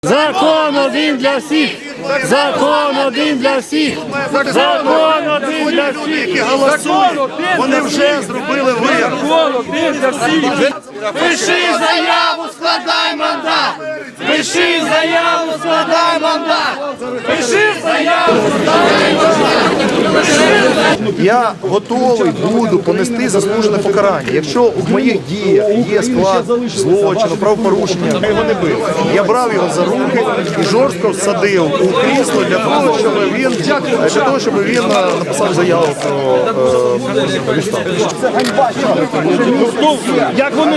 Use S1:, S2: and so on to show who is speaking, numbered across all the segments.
S1: Закон один для всіх! Закон один для всіх! Закон один для всіх!
S2: Вони вже зробили вибір.
S1: Закон один для всіх! Пиши заяву, складай мандат! Пиши заяву, складай мандат! Пиши заяву, складай мандат!
S2: Я готовий буду понести заслужене покарання. Якщо в моїх діях є склад злочину, правопорушення, я його не бив. Я брав його за руки і жорстко всадив у крісло для того, щоб він написав заяву про відставку.
S1: Як вони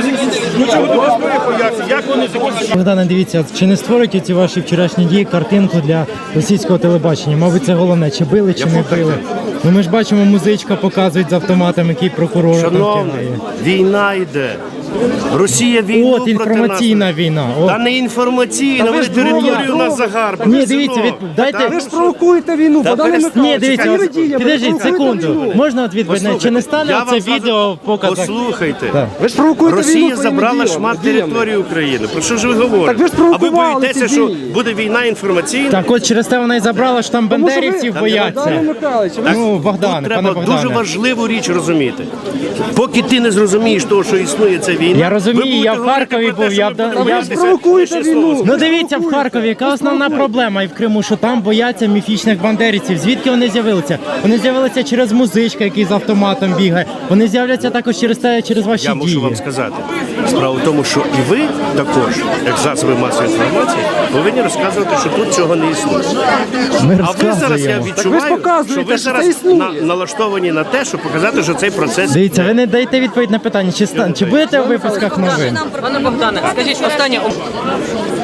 S1: закінчаться?
S3: Богдане, дивіться, чи не створюють ці ваші вчорашні дії картинку для російського телебачення? Мабуть, це головне, чи били, чи не били. Ну ми ж бачимо, музичка показують з автоматом, який прокурор там
S4: Шановний,
S3: кидає.
S4: війна йде. Росія війну
S3: От інформаційна війна. От.
S4: Та не інформаційна, вони територію нас загарбали.
S3: Ні, дивіться, дайте...
S5: Ви ж провокуєте війну, Богдане
S3: Ні,
S5: Михайловичу.
S3: дивіться,
S5: Які ви дії?
S3: підождіть секунду. Можна от відповідь? Чи не стане це відео в показах?
S4: Послухайте.
S3: Так.
S5: Ви ж провокуєте війну
S4: Росія
S5: своїми
S4: забрала
S5: діями,
S4: шмат
S5: діями.
S4: території України. Про що ж ви говорите?
S5: Так ви ж
S4: А ви
S5: провокували
S4: боїтеся,
S5: ці
S4: що
S5: дії.
S4: буде війна інформаційна?
S3: Так от через те вона і забрала, що там
S5: Тому що ви-
S3: бандерівців
S5: Богдане
S3: бояться.
S5: Михайловичу, ви
S3: Ну,
S4: Тут
S3: Богдан, пане
S4: треба дуже
S3: Богдане.
S4: важливу річ розуміти. Поки ти не зрозумієш того, що існує ця війна,
S3: Я розумію,
S4: ви будете
S3: я в
S4: говорити
S3: Харкові
S4: про те,
S3: був,
S4: що
S3: я
S4: ви
S3: в-
S4: будете
S3: я-
S4: боятися.
S5: провокуєте
S4: Ще
S5: війну.
S4: слово.
S3: Ну дивіться, в Харкові, яка основна проблема і в Криму, що там бояться міфічних бандерівців. Звідки вони з'явилися? Вони з'явилися через музичка, який з автоматом бігає. Вони з'являться також через ваші
S4: Я мушу
S3: дії.
S4: вам сказати. Справа в тому, що і ви також, як засоби масової інформації, повинні розказувати, що тут цього не існує.
S3: Ми
S4: А ви зараз, я
S3: розказуємо.
S4: відчуваю,
S5: показуєте,
S4: що ви
S5: що це
S4: зараз
S5: існує.
S4: налаштовані на те, щоб показати, що цей процес...
S3: Дивіться, ви не даєте відповідь на питання, чи будете у випусках новин?
S6: Пане Богдане, скажіть останнє.